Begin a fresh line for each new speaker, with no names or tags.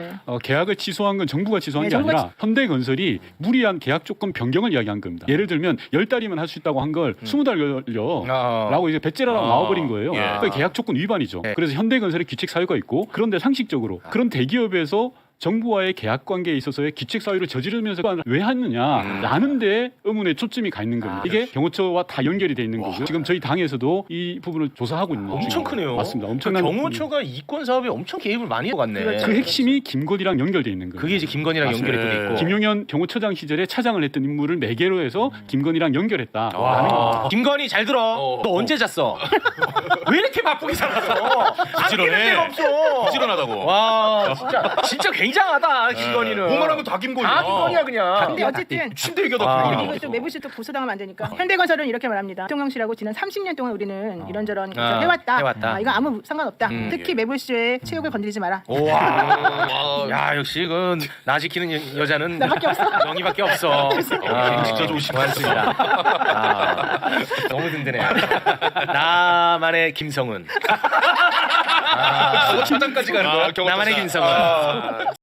계약을 취소한 건 정부가 취소한
네,
게
정부가
아니라 현대건설이 무리한 계약 조건 변경을 이야기한 겁니다. 예를 들면 10달이면 할 수 있다고 한 걸 20달 걸려라고 이제 배째라라고 나와버린 거예요.
예.
그게 계약 조건 위반이죠.
예.
그래서 현대건설의 규칙 사유가 있고 그런데 상식적으로 그런 대기업에서 정부와의 계약 관계에 있어서의 규칙 사유를 저지르면서 왜 하느냐라는 데 의문의 초점이 가 있는 겁니다. 이게 경호처와 다 연결이 돼 있는 거고요. 지금 저희 당에서도 이 부분을 조사하고 있는
엄청
중입니다.
크네요.
맞습니다. 엄청난
경호처가 이권 사업에 엄청 개입을 많이 해갔네.
그 핵심이 김건희랑 연결돼 있는 거예요.
그게 이제 김건희랑
맞습니다.
연결이 또 있고.
김용현 경호처장 시절에 차장을 했던 인물을 매개로 해서 김건희랑 연결했다라는
와. 김건희 잘 들어. 너 언제 잤어? 왜 이렇게 바쁘게 살았어?
부지런해.
아끼는 데가 없어.
부지런하다고.
와 진짜 굉장하다 김건희는.
뭐만 하면 다 김건희야.
다 김건희야 그냥.
근데 어쨌든
침대 얘기하다
아.
김건희
이거 또 매부실 또 고소당하면 안 되니까. 현대건설은 이렇게 말합니다. 대통령실하고 지난 30년 동안 우리는 이런저런 건설 해왔다. 이거 아무 상관없다. 특히 매부실의 체육을 건드리지 마라.
와. 야 역시 나 지키는 여자는
나밖에 없어.
영희밖에 없어.
진짜 좋으시다.
고맙습니다. 너무 든든해. 나만의 김성은.
차장까지 가는 거야?
나만의 김성은.